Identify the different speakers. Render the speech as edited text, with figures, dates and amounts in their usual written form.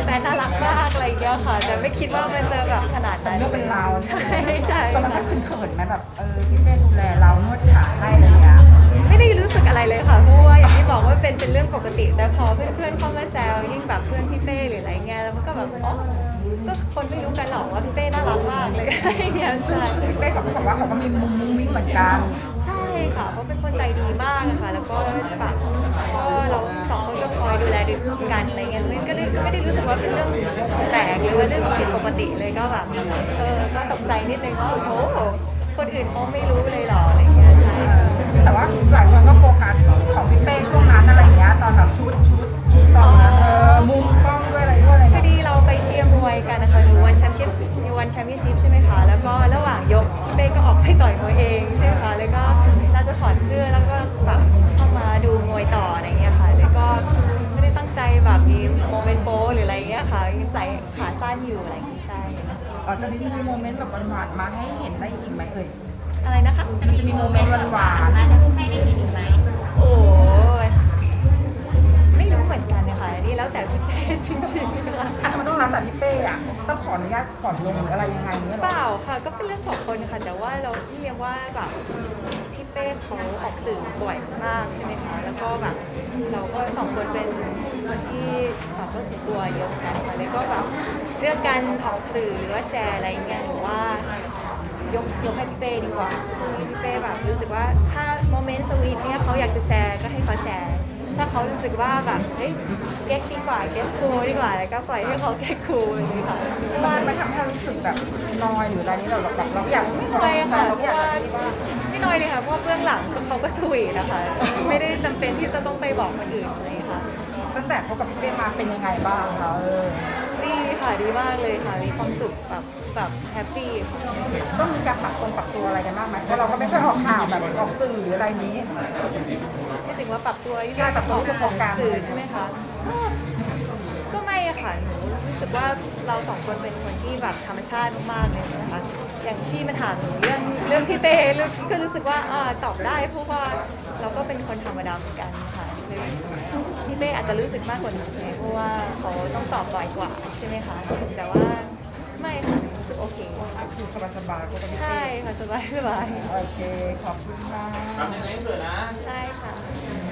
Speaker 1: ฟนน่ารักมากอะไรอย่างเงี้ยค่ะแต่ไม่คิดว่ามันจะแบบขนาดนั้น
Speaker 2: เรื่องเป็นราว
Speaker 1: ใช่ใช่
Speaker 2: ตอนนั้นก็
Speaker 1: ค่ะ
Speaker 2: เขินๆไหมแบบพี่เป้ดูแลเรานวดขาให้อะไรอย่างเงี้ย
Speaker 1: ไม่ได้รู้สึกอะไรเลยค่ะเพราะว่าอย่างที่บอกว่าเป็นเรื่องปกติแต่พอเพื่อนๆเข้ามาแซวยิ่งแบบเพื่อนพี่เป้หรืออะไรเงี้ยแล้วมันก็แบบอ๋อก็คนไม่รู้กันหรอกว่าพี่เป้น่ารักมากเลยอย่างเงี้ยใช่
Speaker 2: ซึ่งพี่เป้เขาก็บอกว่าเขาก็มีมุมมุ้งมิ้งเหมือนกัน
Speaker 1: ใช่ค่ะเขาเป็นคนใจดีมากอะค่ะแล้วก็แบบก็เราสองคนก็คอยดูแลกันอะไรเงี้ยมันก็ไม่ได้รู้สึกว่าเป็นเรื่องแปลกหรือว่าเรื่องผิดปกติเลยก็แบบก็ตกใจนิดนึงว่าโอ้โหคนอื่นเขาไม่รู้เลยเหรออะไรเงี้ยใช่
Speaker 2: แต่ว่าหลายคนก็โฟกัสของพี่เป้ช่วงนั้นอะไรอย่างเงี้ยตอนแบบชุดตอนนั้นมุมกล้องด้วยอะไรด้วยอะไร
Speaker 1: พอดีเราไปเชียร์มวยกันนะคะดูวันแชมเปี้ยนชิพใช่ไหมคะแล้วก็ระหว่างยกพี่เป้ก็ออกไปต่อยมวยเองใช่ไหมคะแล้วก็เราจะถอดเสื้อแล้วก็แบบเข้ามาดูมวยต่ออะไรเงี้ยค่ะแล้วก็ไม่ได้ตั้งใจแบบมีโมเมนต์โป๊หรืออะไรเงี้ยค่ะยังใส่ขาสั้นอยู่อะไรอย่างงี้ใช่
Speaker 2: อ๋อจะมีโมเมนต์แบบหวานๆมาให้เห็นได้อีกไหม
Speaker 1: อะไรนะคะ
Speaker 2: มันจะมีโมเมนต์หวาน
Speaker 3: มาจะให้ได้เห็นอีกไหม
Speaker 1: โอ้ยไม่รู้เหมือนกันนะคะอันนี่แล้วแต่พี่เป้จริงๆค่ะ
Speaker 2: ๆทำไมต้องรับแต่พี่เป้อะต้องขออนุญาตก่อนลงหรืออะไรยังไงเนี่ย
Speaker 1: เปล่าค่ะก็เป็นเรื่องสองคนค่ะแต่ว่าเราเรียกว่าแบบพี่เป้เขาออกสื่อบ่อยมากใช่ไหมคะแล้วก็แบบเราก็สองคนเป็นคนที่แบบโรคจิตตัวเยอะเหมือนกันค่ะแล้วก็แบบเรื่องการออกสื่อหรือว่าแชร์อะไรอย่างเงี้ยหนูว่ายกให้พี่เป้ดีกว่าที่พี่เป้แบบรู้สึกว่าถ้าโมเมนต์สวีทเนี่ยเขาอยากจะแชร์ก็ให้เขาแชร์ถ้าเขารู้สึกว่าแบบเฮ้ยเก๊กดีกว่าเก๊กคูลดีกว่าแล้วก็ปล่อยให้เขาเก๊กคูลอย่างนี้ค่ะ
Speaker 2: มันไม่ทำให้เรารู้สึกแบบนอยหรืออะไรนี้เราแบบเราอยาก
Speaker 1: ไม่น้อยค่ะ
Speaker 2: เรา
Speaker 1: เพ
Speaker 2: อยา
Speaker 1: ราะ
Speaker 2: ก
Speaker 1: ว่า
Speaker 2: ที่ว่า
Speaker 1: ไม่น้อยเลยค่ะเพราะว่าเบื้องหลังก็เขาก็สวีทนะคะไม่ได้จำเป็นที่จะต้องไปบอกคนอื่นอะไรค่ะ
Speaker 2: ตั้งแต่เขากับพี่เป้มาเป็นยังไงบ้างคะ
Speaker 1: ดีค่ะดีมากเลยค่ะมีความสุขแบบแฮปปี้ค่ะ
Speaker 2: ต้องมีการปรับตัวอะไรกันบ้างไหมเพราะเราก็ไม่ค่อยออกข่าวแบบออกสื่อหรืออะไรนี้
Speaker 1: ไม่จริงว่าปรับตัวที่
Speaker 2: ใช่ปรับตัวที่จะโฟกัส
Speaker 1: สื่อใช่ไหมคะก็ไม่อะค่ะหนูรู้สึกว่าเราสองคนเป็นคนที่แบบธรรมชาติมากๆเลยนะคะอย่างที่มาถามหนูเรื่องพี่เป้เรื่องก็รู้สึกว่าตอบได้เพราะว่าเราก็เป็นคนธรรมดาเหมือนกันค่ะเลยพี่เป้อาจจะรู้สึกมากกว่าหนูไงเพราะว่าเขาต้องตอบบ่อยกว่าใช่ไหมคะแต่ว่าไม่ค่ะรู้สึกโอเค
Speaker 2: คือสบายๆปกติ
Speaker 1: ใช่ค่ะสบาย
Speaker 2: โอเคขอบคุณค่ะ
Speaker 1: ได้ค่ะ